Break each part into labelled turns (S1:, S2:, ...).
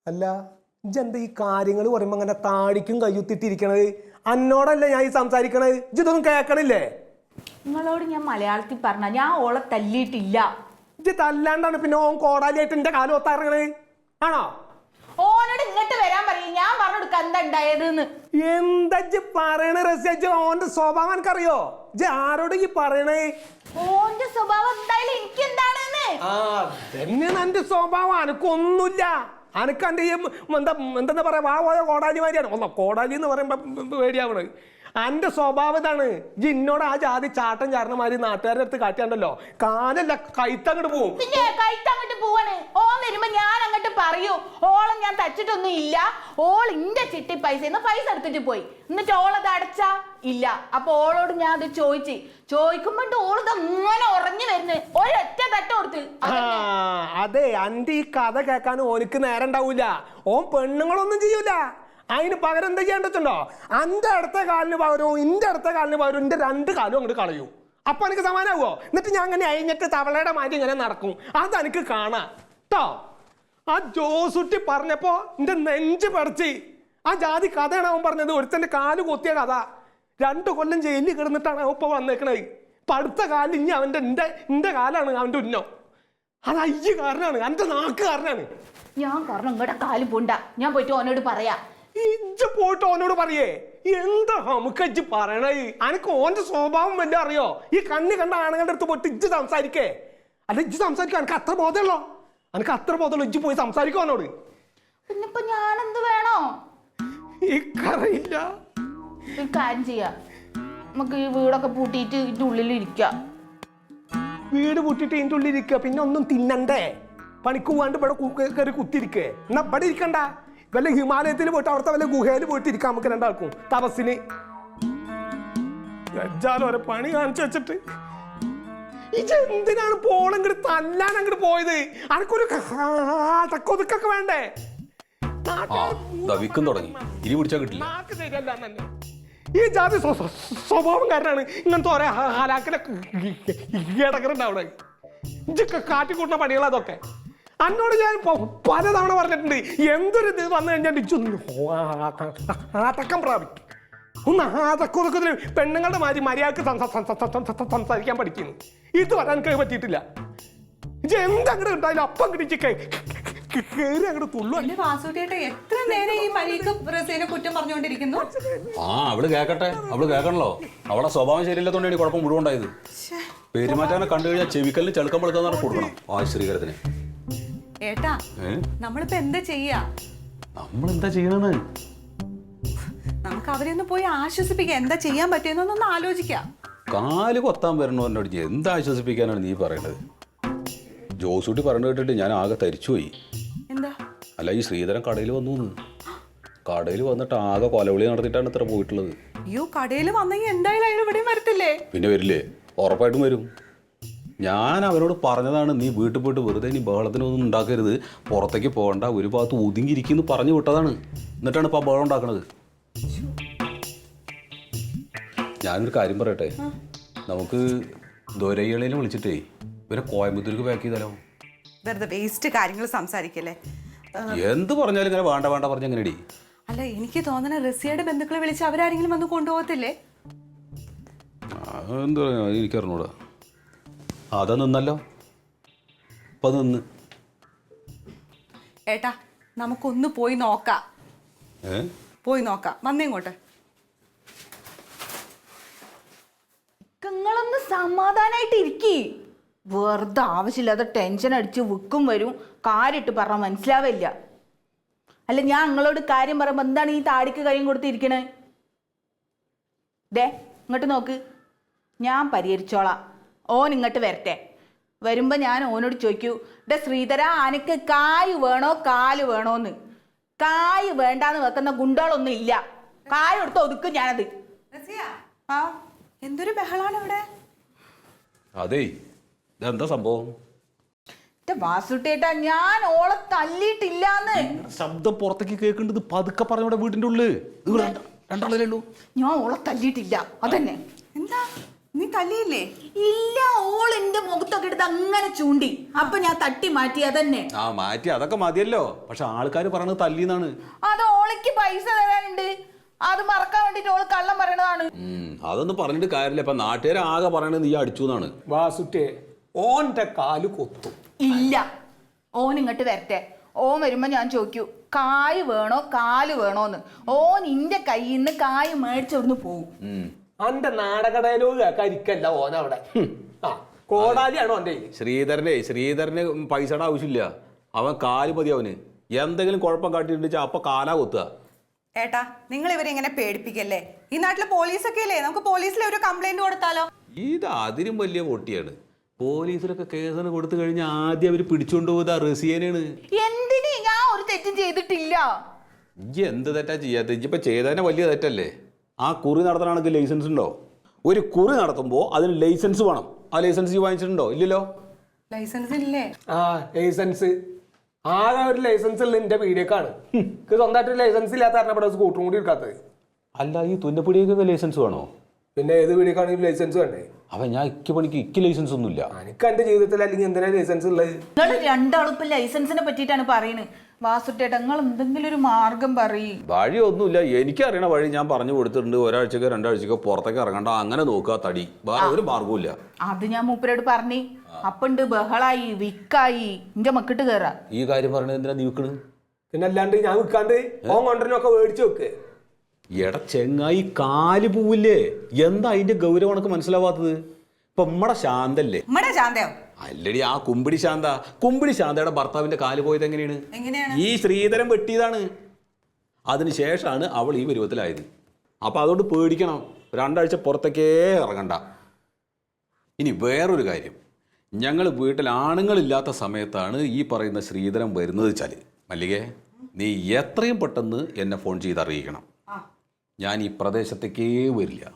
S1: അല്ല ഇജെന്താ ഈ കാര്യങ്ങൾ പറയുമ്പോ അങ്ങനെ താടിക്കും കയ്യുത്തിട്ടിരിക്കണത്? അന്നോടല്ല ഞാൻ ഈ സംസാരിക്കണത്, ഇതൊന്നും കേക്കണില്ലേ?
S2: നിങ്ങളോട് ഞാൻ മലയാളത്തിൽ പറഞ്ഞ ഞാൻ ഓളെ തല്ലിയിട്ടില്ല.
S1: ഇജ് തല്ലാണ്ടാണ് പിന്നെ ഓൻ കോടാലിയായിട്ട് എന്റെ കാലം ഒത്താറങ്ങണേ ആണോ?
S2: ഓനോട് ഇങ്ങോട്ട് വരാൻ പറയും, ഞാൻ പറഞ്ഞു കൊടുക്ക എന്താ ഉണ്ടായതെന്ന്.
S1: എന്താ ഇജ്ജ് പറയണ രസ്യ? ഓന്റെ സ്വഭാവം എനിക്കറിയോ? ഇജ്ജ് ആരോട് ഈ പറയണേ?
S2: ഓന്റെ സ്വഭാവം എന്തായാലും എനിക്ക് എന്താണെന്ന്.
S1: തന്നെയാണ് എന്റെ സ്വഭാവം. അനക്കൊന്നുമില്ല. അനക്ക് എന്റെ എന്താ പറയാ വാ പോയ കോടാലിമാരിയാണ്. ഒന്നോ കോടാലി എന്ന് പറയുമ്പോ പേടിയാവണ്. എന്റെ സ്വഭാവം ഇതാണ്. ഇജ്ജ് ഇന്നോട് ആ ജാതി ചാട്ടം ചാരണമാര് നാട്ടുകാരുടെ അടുത്ത് കാട്ടിയാണ്ടല്ലോ കാലല്ല കൈത്തങ്ങോട്ട് പോവും.
S2: പിന്നെ കൈത്തങ്ങോട്ട് പോവാണ്. ഓൻ വരുമ്പോ ഞാൻ അങ്ങോട്ട് പറയൂ ഓളെ ഞാൻ തച്ചിട്ടൊന്നും ഇല്ല, ഓൾ ഇന്റെ ചിട്ടി പൈസ എടുത്തിട്ട് പോയി, എന്നിട്ട് ഓളത് അടച്ചാ ഇല്ല. അപ്പൊ ഓളോട് ഞാൻ അത് ചോദിക്കുമ്പോണ്ട് ഓളത് അങ്ങനെ ഉറഞ്ഞു വരുന്നു. ഒരൊറ്റ തട്ട കൊടുത്ത്.
S1: അതെ, എന്റെ ഈ കഥ കേൾക്കാൻ ഓനിക്ക് നേരം ഉണ്ടാവൂല. ഓൻ പെണ്ണുങ്ങളൊന്നും ചെയ്യൂല. അതിന് പകരം എന്താ ചെയ്യേണ്ടോ? എന്റെ അടുത്ത കാലിന് പകരവും ഇന്റെ അടുത്ത കാലിന് പകരവും എന്റെ രണ്ട് കാലും അങ്ങോട്ട് കളയൂ. അപ്പൊ എനിക്ക് സമാനാവോ? എന്നിട്ട് ഞാൻ അങ്ങനെ അഴിഞ്ഞിട്ട് തവളയുടെ മാറ്റി ഇങ്ങനെ നടക്കും. അതെനിക്ക് കാണാം കേട്ടോ. ആ ജോസുട്ടി പറഞ്ഞപ്പോ എന്റെ നെഞ്ച് പറിച്ച്. ആ ജാതി കഥയാണ് അവൻ പറഞ്ഞത്. ഒരുത്തന്റെ കാല് കൊത്തിയ കഥ. 2 കൊല്ലം ജയിലിൽ കിടന്നിട്ടാണ് അവൻ ഇപ്പൊ വന്നേക്കണത്. ഇപ്പൊ അടുത്ത കാലിൽ ഇനി അവന്റെ എന്റെ കാലാണ് അവന്റെ ഉന്നം. അത് അയ്യ കാരനാണ്, എന്റെ നാക്ക് കാരനാണ്.
S2: ഞാൻ കാരണം ഇങ്ങടെ കാല് പോണ്ട, ഞാൻ പോയിട്ട് ഓനോട് പറയാ.
S1: ഇജ്ജ് പോയിട്ട് ഓനോട് പറയേ? എന്താ നമുക്ക് ഇജ്ജ് പറയണേ? അനക്ക് ഓന്റെ സ്വഭാവം വല്ല അറിയോ? ഈ കണ്ണി കണ്ട ആണുങ്ങളുടെ അടുത്ത് പോയിട്ട് ഇജ്ജ് സംസാരിക്കേ? അല്ല ഇജ്ജ് സംസാരിക്കുക. എനിക്ക് അത്ര ബോധമുള്ളോ? എനിക്ക് അത്ര ബോധമുള്ളൂ. ഇജ്ജ് പോയി സംസാരിക്കും അവനോട്.
S2: പിന്നിപ്പൊ ഞാനെന്ത് വേണോ?
S1: എനിക്കറിയില്ല.
S2: ഒരു കാര്യം ചെയ്യാം, നമുക്ക് ഈ വീടൊക്കെ പൂട്ടിയിട്ട് ഇതിന്റെ ഉള്ളിൽ ഇരിക്കാം.
S1: വീട് പൂട്ടിയിട്ട് ഇതിന്റെ ഉള്ളിൽ ഇരിക്കുക, പിന്നെ ഒന്നും തിന്നണ്ടേ? പണിക്ക് പോവാണ്ട് ഇവിടെ കയറി കുത്തിരിക്കേ? എന്നാ ഇവിടെ ഇരിക്കണ്ട. വല്ല ഹിമാലയത്തിൽ പോയിട്ട് അവിടുത്തെ വല്ല ഗുഹയിൽ പോയിട്ട് ഇരിക്കാം നമുക്ക് രണ്ടാൾക്കും തപസ്സിന്. ഓരോ പണി കാണിച്ചു വെച്ചിട്ട് എന്തിനാണ് പോളങ്ങോട്ട് തല്ലാൻ അങ്ങോട്ട് പോയത്? അനക്കൊരു ഒതുക്കൊക്കെ വേണ്ടേ? ഈ ജാതി സ്വഭാവം കാരനാണ് ഇങ്ങനത്തെ ഓരോ ഹാലാക്കലൊക്കെ ഇടക്കറുണ്ടാവണേ. ഇതൊക്കെ കാട്ടിക്കൂട്ടുന്ന പണികൾ അതൊക്കെ. അന്നോട് ഞാൻ പലതവണ പറഞ്ഞിട്ടുണ്ട്, എന്തൊരു ഇത് വന്നു കഴിഞ്ഞാൽ ആതക്കം പ്രാപിക്കും. ഒന്ന് ആതക്കൊതുക്കത്തിന് പെണ്ണുങ്ങളുടെ മാതിരി മര്യാദക്ക് സംസാരിക്കാൻ പഠിക്കുന്നു. ഇത് വരാൻ എനിക്ക് പറ്റിയിട്ടില്ല. ഇത് എന്തങ്ങോട്ട് ഉണ്ടായാലും അപ്പം കിട്ടിച്ച് കയറി അങ്ങോട്ട് തുള്ളു.
S3: എത്ര നേരം ഈ മരീക്ക് കുറ്റം പറഞ്ഞുകൊണ്ടിരിക്കുന്നു?
S4: അവള് കേക്കട്ടെ, അവള് കേൾക്കണല്ലോ. അവളെ സ്വഭാവം ശരിയില്ലാത്തോണ്ടാണ് കുഴപ്പം മുഴുവൻ ഉണ്ടായത്. പെരുമാറ്റാനെ കണ്ടു കഴിഞ്ഞാൽ ചെവിക്കല്ലിന് ചെളുക്കം വെളുക്കാന്ന് കൊടുക്കണം ആശ്രീകരത്തിന്.
S3: ഏട്ടാ, നമ്മളിപ്പോ എന്താ ചെയ്യാ?
S4: നമ്മളെന്താ ചെയ്യണെന്ന്
S3: നമുക്ക് അവരെ ഒന്ന് പോയി ആശ്വസിപ്പിക്കാം. എന്താ ചെയ്യാൻ പറ്റിയെന്നൊന്ന് ആലോചിക്കാം.
S4: കാല് കൊത്താൻ വരണോന്നോട് എന്താ ആശ്വസിപ്പിക്കാനാണ് നീ പറയണത്? ജോസൂട്ടി പറഞ്ഞു കേട്ടിട്ട് ഞാൻ ആകെ തരിച്ചുപോയി.
S3: എന്താ?
S4: അല്ല, ഈ ശ്രീധരൻ കടയിൽ വന്നു. കടയിൽ വന്നിട്ട് ആകെ കൊലവിളി നടത്തിയിട്ടാണ് ഇത്ര പോയിട്ടുള്ളത്.
S3: അയ്യോ, കടയിൽ വന്നെങ്കിൽ എന്തായാലും അയാൾ ഇവിടെയും വരത്തില്ലേ?
S4: പിന്നെ വരില്ലേ? ഉറപ്പായിട്ടും വരും. ഞാൻ അവരോട് പറഞ്ഞതാണ്, നീ വീട്ടിൽ പോയിട്ട് വെറുതെ നീ ബഹളത്തിനൊന്നും ഉണ്ടാക്കരുത്, പുറത്തേക്ക് പോകണ്ട, ഒരു ഭാഗത്ത് ഒതുങ്ങിയിരിക്കുന്നു പറഞ്ഞു വിട്ടതാണ്. എന്നിട്ടാണ് ഇപ്പം ബഹളം ഉണ്ടാക്കണത്. ഞാനൊരു കാര്യം പറയട്ടെ, നമുക്ക് ദൊരയിളയിൽ വിളിച്ചിട്ടേ ഇവരെ കോയമ്പത്തൂർക്ക് പാക്ക് ചെയ്താലോ?
S3: വെറുതെ വേസ്റ്റ് കാര്യങ്ങൾ സംസാരിക്കല്ലേ.
S4: എന്ത് പറഞ്ഞാലും ഇങ്ങനെ വേണ്ട വേണ്ട പറഞ്ഞ എങ്ങനെയടി?
S3: അല്ല, എനിക്ക് തോന്നണ റസിയയുടെ ബന്ധുക്കളെ വിളിച്ച് അവരാരെങ്കിലും വന്ന് കൊണ്ടുപോകത്തില്ലേ?
S4: എന്താ പറയാ, എനിക്കറിഞ്ഞൂടാ. അതാ നിന്നല്ലോ, ഇപ്പൊ നിന്ന്.
S3: ഏട്ടാ, നമുക്കൊന്ന് പോയി നോക്കാം. പോയി നോക്കാം, വന്നേങ്ങോട്ടെ.
S2: നിങ്ങളൊന്ന് സമാധാനായിട്ട് ഇരിക്കി. വെറുതെ ആവശ്യമില്ലാതെ ടെൻഷൻ അടിച്ച് വിൽക്കും വരും. കാര്യമിട്ട് പറഞ്ഞാൽ മനസ്സിലാവില്ല. അല്ല, ഞാൻ നിങ്ങളോട് കാര്യം പറയുമ്പോൾ എന്താണ് ഈ താടിക്ക് കൈയും കൊടുത്തിരിക്കണേ? ദേ ഇങ്ങോട്ട് നോക്ക്, ഞാൻ പരിഹരിച്ചോളാം. ഓൻ ഇങ്ങോട്ട് വരട്ടെ. വരുമ്പോൾ ഞാൻ ഓനോട് ചോദിക്കൂ, ഡേ ശ്രീധര, അനക്ക് കായ് വേണോ കാല് വേണോന്ന്? കായ് വേണ്ടാന്ന് വെക്കുന്ന ഗുണ്ടകളൊന്നും ഇല്ല. കായ് എടുത്ത് ഒതുക്കും ഞാനത്.
S3: എന്തൊരു ബഹളാണ് ഇവിടെ?
S4: അതെ, ഇതെന്താ സംഭവം?
S2: വാസുട്ടേട്ടാ, ഞാൻ ഓളെ തല്ലിയിട്ടില്ലാന്ന്.
S4: ശബ്ദം പുറത്തേക്ക് കേൾക്കേണ്ടത് പതുക്കെ പറഞ്ഞ വീടിന്റെ ഉള്ളിൽ രണ്ടാളേ ഉള്ളൂ.
S2: ഞാൻ ഓളെ തല്ലിയിട്ടില്ല, അതന്നെ.
S3: എന്താ നീ തല്ലിയില്ലേ?
S2: ഇല്ല, ഓൾ എന്റെ മുഖത്തൊക്കെ എടുത്ത് അങ്ങനെ ചൂണ്ടി. അപ്പൊ ഞാൻ തട്ടി മാറ്റി. അതന്നെ.
S4: ആ മാറ്റി അതൊക്കെ മതിയല്ലോ. പക്ഷെ ആൾക്കാർ പറയണത് തല്ലിന്നാണ്.
S2: അത് ഓളയ്ക്ക് പൈസ തരാനുണ്ട്. അത് മറക്കാൻ വേണ്ടിട്ട് ഓള് കള്ളം പറയണതാണ്.
S4: അതൊന്നും പറഞ്ഞിട്ട് കാര്യമില്ല. ഇപ്പൊ നാട്ടുകാർ ആകെ പറയണത് നീ അടിച്ചു എന്നാണ്.
S1: വാസുറ്റേ ഓന്റെ കാല് കൊത്തും.
S2: ഇല്ല, ഓൻ ഇങ്ങോട്ട് വരട്ടെ. ഓൻ വരുമ്പോ ഞാൻ ചോദിക്കൂ കായ് വേണോ കാല് വേണോന്ന്. ഓൻ ഇന്റെ കയ്യിൽ നിന്ന് കായ് മേടിച്ചോടുന്ന് പോവും.
S1: അന്റെ നാടക ഡയലോഗ് കേൾക്കാതിരിക്കല്ല ഓനവിടെ. ആ കോടാലിയാണോ ഓന്റെ കയ്യില്?
S4: ശ്രീധരന് പൈസയുടെ ആവശ്യമില്ല. അവൻ കാല് മതി. അവന് എന്തെങ്കിലും കുഴപ്പം കാട്ടിട്ടുണ്ടെച്ചാ അപ്പൊ കാലാ കൊത്തുക.
S3: ഏട്ടാ, നിങ്ങൾ ഇവരെ ഇങ്ങനെ പേടിപ്പിക്കല്ലേ. ഈ നാട്ടില് പോലീസൊക്കെ ഇല്ലേ, നമുക്ക് പോലീസിൽ ഒരു കംപ്ലൈന്റ് കൊടുത്താലോ?
S4: ഇത് അതിനും വലിയ പൊട്ടിയാണ്. പോലീസിലൊക്കെ കേസിന് കൊടുത്തു കഴിഞ്ഞാൽ ആദ്യം അവർ പിടിച്ചോണ്ട് പോയത് റസിയനാണ്.
S2: എന്തിന്? ഞാൻ ഒരു തെറ്റും ചെയ്തിട്ടില്ല.
S4: ഇജ്ജ് എന്ത് തെറ്റാ ചെയ്യാത്ത? ഇജ്ജിപ്പോ ചെയ്തതിനെ വലിയ തെറ്റല്ലേ? ആ കുറി നടത്തണമെങ്കിൽ ലൈസൻസ് ഉണ്ടോ? ഒരു കുറി നടത്തുമ്പോൾ അതിന് ലൈസൻസ് വേണം. ആ ലൈസൻസ് വാങ്ങിച്ചിട്ടുണ്ടോ? ഇല്ലല്ലോ.
S3: ലൈസൻസ് ഇല്ലേ?
S1: ആ ലൈസൻസ് ആകെ ഒരു ലൈസൻസ് ഉള്ള എന്റെ പീഡിയക്കാണ്. സ്വന്തമായിട്ട് ലൈസൻസ് ഇല്ലാത്ത കാരണം ഇവിടെ സ്കൂട്ടറും കൂടി എടുക്കാത്തത്.
S4: അല്ല, ഈ തുന്നപ്പിടിയൊക്കെ ലൈസൻസ് വേണോ?
S1: പിന്നെ ഏത് പീഡിയക്കാണെങ്കിൽ ലൈസൻസ് വേണ്ടേ?
S4: അവൻ ഞാൻ ഇക്ക് ലൈസൻസ് ഒന്നുമില്ല.
S1: എനിക്ക് എന്റെ ജീവിതത്തിൽ അല്ലെങ്കിൽ എന്തിനാ ലൈസൻസ് ഉള്ളത്?
S2: നിങ്ങൾ രണ്ടാളും ഇപ്പൊ ലൈസൻസിനെ പറ്റിയിട്ടാണ് പറയുന്നത്. വാസുട്ടേട്ടാ, നിങ്ങൾ എന്തെങ്കിലും ഒരു മാർഗം പറയും.
S4: വഴിയൊന്നുമില്ല. എനിക്കറിയണ വഴി ഞാൻ പറഞ്ഞു കൊടുത്തിട്ടുണ്ട്. ഒരാഴ്ചക്കോ രണ്ടാഴ്ചക്കോ പുറത്തേക്ക് ഇറങ്ങണ്ട, അങ്ങനെ നോക്കുക. തടി വേറെ ഒരു മാർഗവും.
S2: അത് ഞാൻ മൂപ്പരോട് പറഞ്ഞു. അപ്പണ്ട് ബഹളായി വിക്കായി എന്റെ മക്കിട്ട് കയറാ.
S4: ഈ കാര്യം പറഞ്ഞത് എന്തിനാ നീ വിൽക്കണ്?
S1: പിന്നെ അല്ലാണ്ട് ഞാൻ വിൽക്കാണ്ട് ഓൻ കൊണ്ടുവരനൊക്കെ മേടിച്ചു വെക്ക്.
S4: എടാ ചെങ്ങായി, കാല് പോവില്ലേ? എന്താ അതിന്റെ ഗൗരവം എനിക്ക് മനസ്സിലാവാത്തത്? ഇപ്പൊ നമ്മടെ ശാന്തല്ലേ?
S3: നമ്മടെ ശാന്തയോ?
S4: അല്ലടി, ആ കുമ്പിടി ശാന്തയുടെ ഭർത്താവിന്റെ കാല് പോയത് എങ്ങനെയാണ്? ഈ ശ്രീധരൻ വെട്ടിയതാണ്. അതിനുശേഷമാണ് അവൾ ഈ പരുവത്തിലായത്. അപ്പൊ അതുകൊണ്ട് പേടിക്കണം. രണ്ടാഴ്ച പുറത്തേക്കേ ഇറങ്ങണ്ട. ഇനി വേറൊരു കാര്യം, ഞങ്ങൾ വീട്ടിൽ ആണുങ്ങളില്ലാത്ത സമയത്താണ് ഈ പറയുന്ന ശ്രീധരൻ വരുന്നത് വെച്ചാൽ, മല്ലികേ, നീ എത്രയും പെട്ടെന്ന് എന്നെ ഫോൺ ചെയ്ത് അറിയിക്കണം. ഞാൻ ഈ പ്രദേശത്തേക്കേ വരില്ല.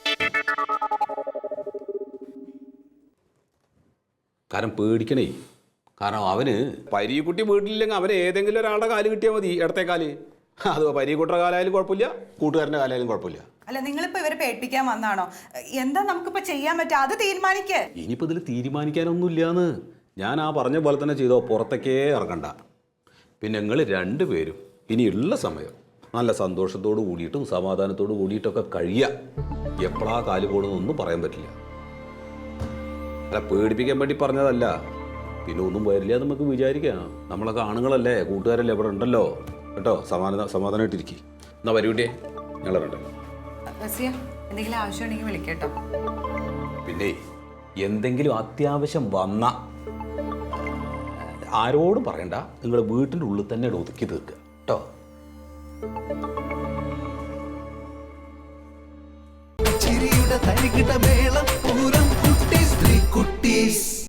S4: കാരണം പേടിക്കണേ. കാരണം അവന് പരീക്കുട്ടി വീട്ടിലില്ലെങ്കിൽ അവന് ഏതെങ്കിലും ഒരാളുടെ കാല് കിട്ടിയാൽ മതി. ഇടത്തെ കാല്. അത് പരീക്കുട്ടിയുടെ കാലായാലും കുഴപ്പമില്ല, കൂട്ടുകാരൻ്റെ കാലായാലും കുഴപ്പമില്ല.
S3: അല്ല, നിങ്ങളിപ്പോ ഇവരെ പേടിപ്പിക്കാൻ വന്നാണോ? എന്താ നമുക്കിപ്പോ ചെയ്യാൻ പറ്റുക? അത് തീരുമാനിക്കേ.
S4: ഇനിയിപ്പോൾ ഇതിൽ തീരുമാനിക്കാനൊന്നുമില്ലാന്ന്. ഞാൻ ആ പറഞ്ഞ പോലെ തന്നെ ചെയ്തോ. പുറത്തേക്കേ ഇറങ്ങണ്ട. പിന്നെ നിങ്ങൾ രണ്ടുപേരും ഇനിയുള്ള സമയം നല്ല സന്തോഷത്തോട് കൂടിയിട്ടും സമാധാനത്തോട് കൂടിയിട്ടൊക്കെ കഴിയുക. എപ്പോഴാ കാല് പോകണമെന്നൊന്നും പറയാൻ പറ്റില്ല. അല്ല, പേടിപ്പിക്കാൻ വേണ്ടി പറഞ്ഞതല്ല. പിന്നെ ഒന്നും വരില്ല നമുക്ക് വിചാരിക്കാം. നമ്മളൊക്കെ ആണുങ്ങളല്ലേ, കൂട്ടുകാരല്ലേ, ഇവിടെ ഉണ്ടല്ലോ കേട്ടോ. സമാധാനമായിട്ടിരിക്കും. എന്നാ വരൂട്ടേ, ഞങ്ങളുണ്ടല്ലോ.
S3: എന്തെങ്കിലും ആവശ്യമുണ്ടെങ്കിൽ വിളിക്കട്ടോ.
S4: പിന്നെ എന്തെങ്കിലും അത്യാവശ്യം വന്ന ആരോടും പറയണ്ട. നിങ്ങൾ വീട്ടിൻ്റെ ഉള്ളിൽ തന്നെ ഒതുക്കി തീർക്കുക കേട്ടോ.
S5: ചിരിയുടെ തരികിട മേളം